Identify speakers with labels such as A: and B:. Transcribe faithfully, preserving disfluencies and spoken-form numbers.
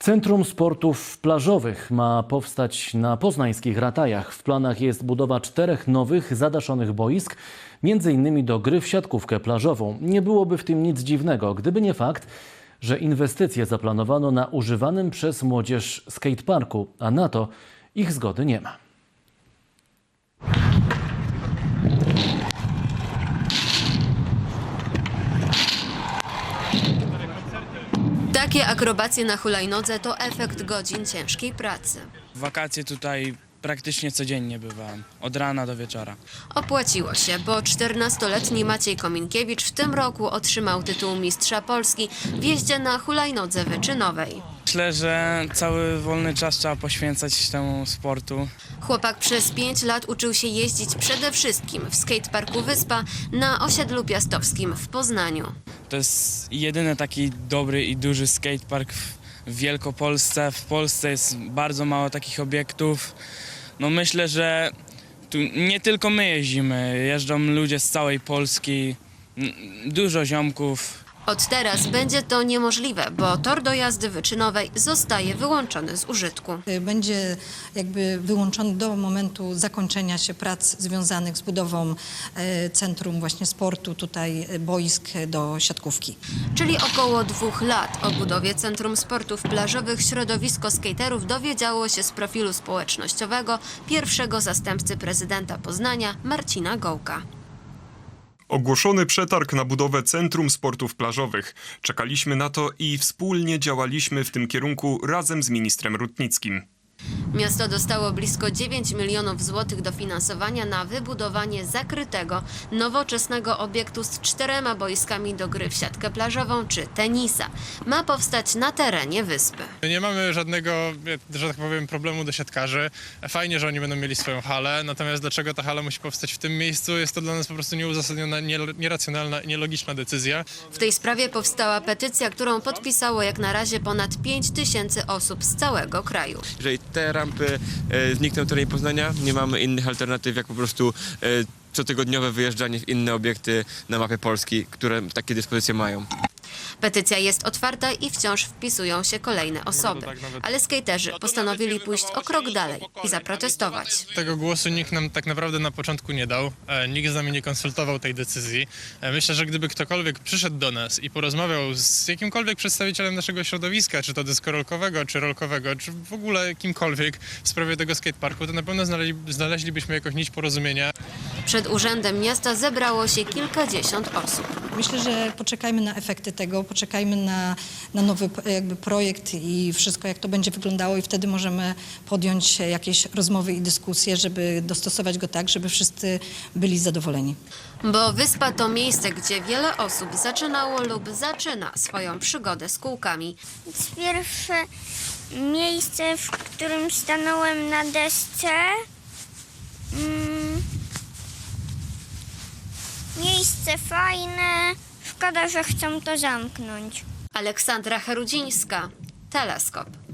A: Centrum Sportów Plażowych ma powstać na poznańskich Ratajach. W planach jest budowa czterech nowych, zadaszonych boisk, między innymi do gry w siatkówkę plażową. Nie byłoby w tym nic dziwnego, gdyby nie fakt, że inwestycje zaplanowano na używanym przez młodzież skateparku, a na to ich zgody nie ma.
B: Takie akrobacje na hulajnodze to efekt godzin ciężkiej pracy.
C: W wakacje tutaj praktycznie codziennie bywałem, od rana do wieczora.
B: Opłaciło się, bo czternastoletni Maciej Kominkiewicz w tym roku otrzymał tytuł mistrza Polski w jeździe na hulajnodze wyczynowej.
C: Myślę, że cały wolny czas trzeba poświęcać temu sportu.
B: Chłopak przez pięć lat uczył się jeździć przede wszystkim w skateparku Wyspa na osiedlu piastowskim w Poznaniu.
C: To jest jedyny taki dobry i duży skatepark w Wielkopolsce. W Polsce jest bardzo mało takich obiektów. No myślę, że tu nie tylko my jeździmy, jeżdżą ludzie z całej Polski, dużo ziomków.
B: Od teraz będzie to niemożliwe, bo tor do jazdy wyczynowej zostaje wyłączony z użytku.
D: Będzie jakby wyłączony do momentu zakończenia się prac związanych z budową e, centrum właśnie sportu, tutaj boisk do siatkówki.
B: Czyli około dwóch lat o budowie Centrum Sportów Plażowych środowisko skaterów dowiedziało się z profilu społecznościowego pierwszego zastępcy prezydenta Poznania Marcina Gołka.
E: Ogłoszony przetarg na budowę Centrum Sportów Plażowych. Czekaliśmy na to i wspólnie działaliśmy w tym kierunku razem z ministrem Rutnickim.
B: Miasto dostało blisko dziewięć milionów złotych dofinansowania na wybudowanie zakrytego, nowoczesnego obiektu z czterema boiskami do gry w siatkę plażową czy tenisa. Ma powstać na terenie wyspy.
F: Nie mamy żadnego, że tak powiem, problemu do siatkarzy. Fajnie, że oni będą mieli swoją halę, natomiast dlaczego ta hala musi powstać w tym miejscu, jest to dla nas po prostu nieuzasadniona, nieracjonalna i nielogiczna decyzja.
B: W tej sprawie powstała petycja, którą podpisało jak na razie ponad pięć tysięcy osób z całego kraju.
G: Jeżeli te rampy e, znikną w terenie Poznania, nie mamy innych alternatyw jak po prostu e, cotygodniowe wyjeżdżanie w inne obiekty na mapie Polski, które takie dyspozycje mają.
B: Petycja jest otwarta i wciąż wpisują się kolejne osoby. Ale skaterzy postanowili pójść o krok dalej i zaprotestować.
F: Tego głosu nikt nam tak naprawdę na początku nie dał, e, nikt z nami nie konsultował tej decyzji. E, myślę, że gdyby ktokolwiek przyszedł do nas i porozmawiał z jakimkolwiek przedstawicielem naszego środowiska, czy to deskorolkowego, czy rolkowego, czy w ogóle kimkolwiek w sprawie tego skateparku, to na pewno znaleźli, znaleźlibyśmy jakąś nić porozumienia.
B: Przed urzędem miasta zebrało się kilkadziesiąt osób.
D: Myślę, że poczekajmy na efekty tego, poczekajmy na, na nowy jakby projekt i wszystko, jak to będzie wyglądało i wtedy możemy podjąć jakieś rozmowy i dyskusje, żeby dostosować go tak, żeby wszyscy byli zadowoleni.
B: Bo Wyspa to miejsce, gdzie wiele osób zaczynało lub zaczyna swoją przygodę z kółkami.
H: Pierwsze miejsce, w którym stanąłem na desce. Mm, miejsce fajne. Szkoda, że chcą to zamknąć.
B: Aleksandra Herudzińska, Teleskop.